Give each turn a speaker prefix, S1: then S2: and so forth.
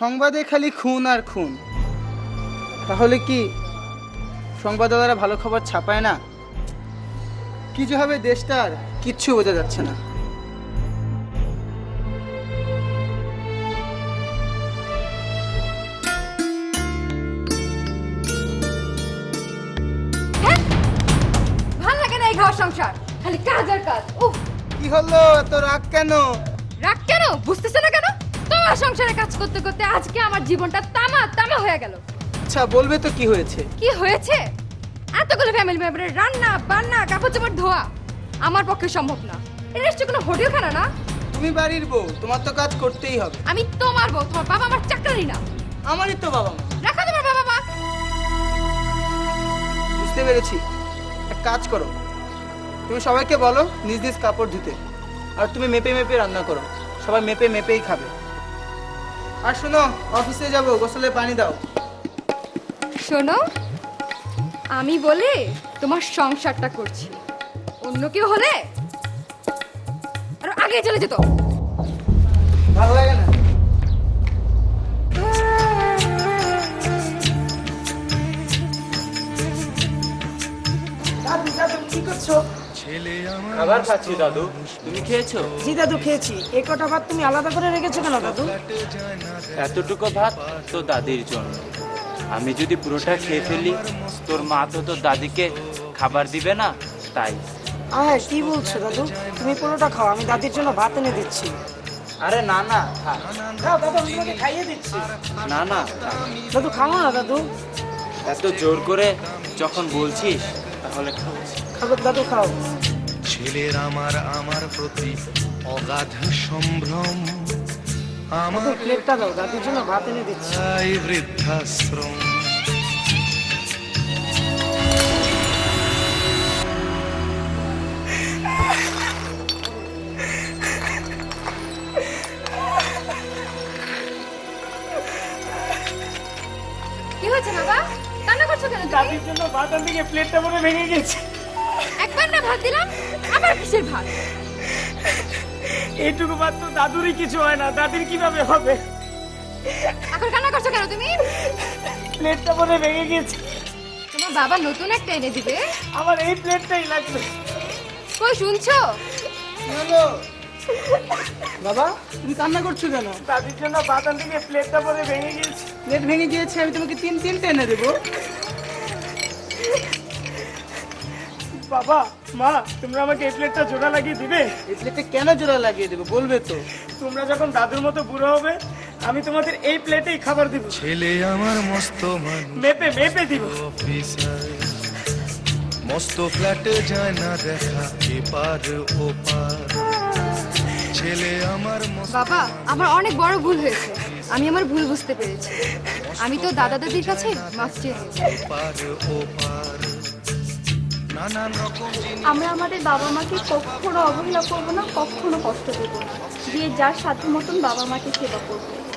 S1: সংবাদে খালি খুন আর খুন, তাহলে কি সংবাদদাতারা ভালো খবর ছাপায় না? কি যে হবে দেশটার কিচ্ছু বোঝা যাচ্ছে না।
S2: ভাল লাগে না এই ঘর সংসার, খালি কাজ আর কাজ। উফ,
S1: কি হলো, এত রাগ কেন?
S2: রাগ কেন বুঝতেছ না কেন? তোমার সংসারে কাজ করতে করতে আজকে আমার জীবনটা তামা তামা হয়ে গেল।
S1: আচ্ছা বলবে তো কি হয়েছে?
S2: কি হয়েছে? এতগুলো ফ্যামিলি মেম্বারের রান্না বান্না কাপড় চোপড় ধোয়া আমার পক্ষে সম্ভব না। এটা নিশ্চয় কোনো হোটেলখানা না।
S1: তুমি বাড়ির বউ, তোমার তো কাজ করতেই হবে।
S2: আমি তোমার বউ, তোমার বাবা আমার চাকরানি না।
S1: আমারই তো বাবা মা।
S2: রাখো তোমার বাবা মা।
S1: বুঝতে পেরেছি, এক কাজ করো, তুমি সবাইকে বলো নিজ নিজ কাপড় ধুতে, আর তুমি মেপে মেপে রান্না করো, সবাই মেপে মেপেই খাবে। আর শোনো, অফিসে যাব, গোসলে পানি দাও।
S2: শোনো, আমি বলে তোমার সংসারটা করছি, অন্য কেউ হলে আর আগে চলে যেত।
S1: ভালো লাগে না?
S3: দাদু দাদু কি করছো?
S4: খাবার খাচ্ছি দাদু, তুমি খেয়েছো?
S3: জি দাদু খেয়েছি। এই কটা ভাত তুমি আলাদা করে রেখেছো কেন দাদু?
S4: এতটুকু ভাত তো দাদির জন্য। আমি যদি পুরোটা খেয়ে ফেলি, তোর মা তো তোর দাদিকে খাবার দিবে না, তাই।
S3: হ্যাঁ কি বলছো দাদু? তুমি পুরোটা খাও, আমি দাদির জন্য ভাত এনে দিচ্ছি।
S1: আরে না না, থাক।
S3: দাও দাদু, আমি তোমাকে খাইয়ে দিচ্ছি।
S4: না না থাক।
S3: দাদু খাও না দাদু।
S4: এত জোর করে যখন বলছিস তাহলে খাও।
S3: খাবো দাদু, খাও।
S5: ছেলের আমার আমার প্রতি অগাধ সম্ভ্রম,
S3: দাদু
S5: আমার
S3: প্লেটটা দাও, দাদির জন্য ভাত এনে দিচ্ছি।
S5: এই বৃদ্ধাশ্রম।
S2: কি হয়েছে বাবা? কান্না করছো কেন তুমি?
S3: দাদির জন্য ভাত আনতে গিয়ে প্লেটটা মনে ভেঙে গেছে।
S2: একবার না ভাত দিলাম, আবার কিসের ভাত?
S3: এইটুকু ভাত তো দাদুরই কিছু হয় না, দাদির কিভাবে হবে?
S2: এখন কান্না করছো কেন তুমি?
S3: প্লেটটা মনে ভেঙে গেছে,
S2: তোমার বাবা নতুন একটা এনে দিবে।
S3: আমার এই প্লেটটাই লাগবে।
S2: কই শুনছো?
S1: কি হলো বাবা, তুমি কান্না করছো কেন?
S3: দাদির জন্য ভাত আনতে গিয়ে প্লেটটা মনে ভেঙে গেছে।
S1: প্লেট ভেঙে গিয়েছে, আমি তোমাকে তিনটে এনে দেবো।
S3: বাবা মা, তোমরা আমাকে এই প্লেটটা জোড়া লাগিয়ে দিবে?
S1: এই প্লেটে কেন জোড়া লাগিয়ে দেবো বলবে তো?
S3: তোমরা যখন দাদুর মতো বুড়ো হবে, আমি তোমাদের এই প্লেটেই খাবার দিব।
S5: ছেলে আমার মস্ত মানুষ
S3: মেপে মেপে দিব।
S5: অফিসার, মস্ত ফ্ল্যাটে যায় না দেখা এপার ওপার। ছেলে আমার মস্ত
S2: বাবা, আমার অনেক বড় ভুল হয়েছে, আমি আমার ভুল বুঝতে পেরেছি। আমি তো দাদা দাদির কাছে মাফ চেয়ে নিয়েছি।
S5: এপার ওপার, নানান রকম জিনিস।
S6: আমরা আমাদের বাবা মাকে কখনো অবহেলা করবো না, কখনো কষ্ট দেবো না, দিয়ে যার সাধ্য মতন বাবা মাকে সেবা করবো।